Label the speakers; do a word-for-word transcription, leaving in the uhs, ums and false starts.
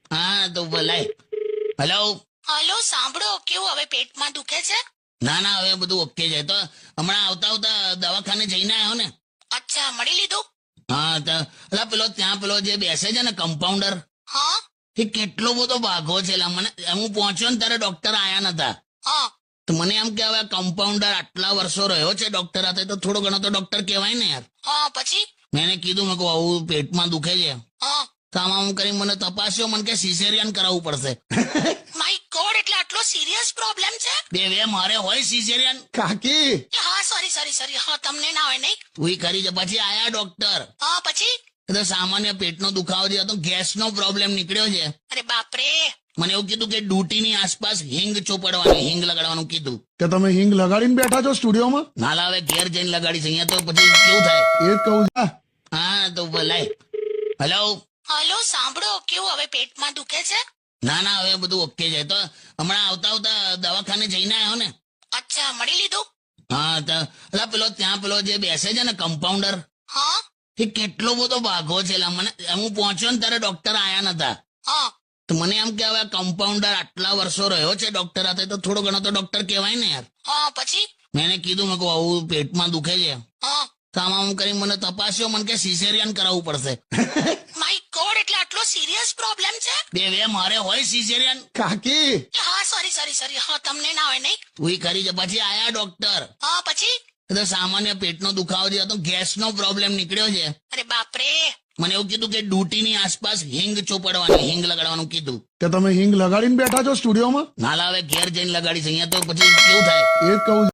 Speaker 1: હા તો બોલાય. હેલો.
Speaker 2: હલો, સાંભળો, કેવું હવે પેટમાં દુખે છે?
Speaker 1: ના ના હવે બધું ઓકે છે. તો હમણાં આવતા આવતા દવાખાને જઈને આવ્યો ને.
Speaker 2: અચ્છા, મળી લીધું?
Speaker 1: હા તો અલા પેલો ત્યાં પેલો જે બેસે છે ને કમ્પાઉન્ડર,
Speaker 2: હા
Speaker 1: એ કેટલો બધો ભાગો છે લા. મને હું પહોંચ્યો ને ત્યારે ડોક્ટર આયા નતા.
Speaker 2: હા
Speaker 1: તો મને એમ કે હવે કમ્પાઉન્ડર આટલા વર્ષો રહ્યો છે ડોક્ટર હાથે, તો થોડો ઘણો તો ડોક્ટર કહેવાય ને યાર.
Speaker 2: હા પછી?
Speaker 1: મેં એને કીધું, મેં કહું આવું પેટમાં દુખે છે.
Speaker 2: હા
Speaker 1: તો આમ આમ કરી મને તપાસ્યો, મને કે સિઝેરિયન કરાવવું પડશે.
Speaker 2: માય ગોડ, એટલે આટલો સિરિયસ પ્રોબ્લેમ છે?
Speaker 1: બે વે મારે હોય સિઝેરિયન.
Speaker 3: કાકી
Speaker 2: હા, સોરી સોરી સોરી, હા તમને ના હોય નહીં?
Speaker 1: ઉઈ કરી છે. પછી આયા ડોક્ટર.
Speaker 2: હા પછી?
Speaker 1: એ તો સામાન્ય પેટનો દુખાવો છે, તો ગેસનો પ્રોબ્લેમ નીકળ્યો છે.
Speaker 2: અરે બાપરે.
Speaker 1: મને એવું કીધું કે ડ્યુટીની આસપાસ હિંગ ચોપડવાની, હિંગ લગાડવાનું કીધું.
Speaker 3: કે તમે હિંગ લગાડીને બેઠા છો સ્ટુડિયોમાં?
Speaker 1: નાલા હવે ઘેર જઈને લગાડીશ, અહીંયા તો પછી કેવું થાય.
Speaker 3: એ જ કહું છું.
Speaker 1: હા તો બોલાય. હેલો.
Speaker 2: હલો, સાંભળો, કેવું હવે પેટમાં દુખે છે?
Speaker 1: ના ના હવે બધું ઓકે છે. તો હમણાં આવતા આવતા દવાખાને જઈને આવ્યો ને.
Speaker 2: અચ્છા, મળી લીધું?
Speaker 1: હા તો અલા પેલો ત્યાં પેલો જે બેસે છે ને કમ્પાઉન્ડર,
Speaker 2: હા
Speaker 1: એ કેટલો બધો ભાગો છે લા. મને હું પહોંચ્યો ને ત્યારે ડોક્ટર આયા નતા.
Speaker 2: હા
Speaker 1: તો મને એમ કે હવે કમ્પાઉન્ડર આટલા વર્ષો રહ્યો છે ડોક્ટર હાથે, તો થોડો ઘણો તો ડોક્ટર કહેવાય ને યાર.
Speaker 2: હા પછી?
Speaker 1: મેં એને કીધું, મેં કહું આવું પેટમાં દુખે છે.
Speaker 2: હા
Speaker 1: તો આમ આમ કરી મને તપાસ્યો, મને કે સિઝેરિયન કરાવવું પડશે.
Speaker 2: માય ગોડ, એટલે આટલો સિરિયસ પ્રોબ્લેમ છે?
Speaker 1: બે વે મારે હોય સિઝેરિયન.
Speaker 3: કાકી
Speaker 2: હા, સોરી સોરી સોરી, હા તમને ના હોય નહીં?
Speaker 1: ઉઈ કરી છે. પછી આયા ડોક્ટર.
Speaker 2: હા પછી?
Speaker 1: એ તો સામાન્ય પેટનો દુખાવો છે, તો ગેસનો પ્રોબ્લેમ નીકળ્યો છે.
Speaker 2: અરે બાપરે.
Speaker 1: મને એવું કીધું કે ડ્યુટીની આસપાસ હિંગ ચોપડવાની, હિંગ લગાડવાનું કીધું.
Speaker 3: કે તમે હિંગ લગાડીને બેઠા છો સ્ટુડિયોમાં?
Speaker 1: નાલા હવે ઘેર જઈને લગાડીશ, અહીંયા તો પછી કેવું થાય.
Speaker 3: એ જ કહું છું.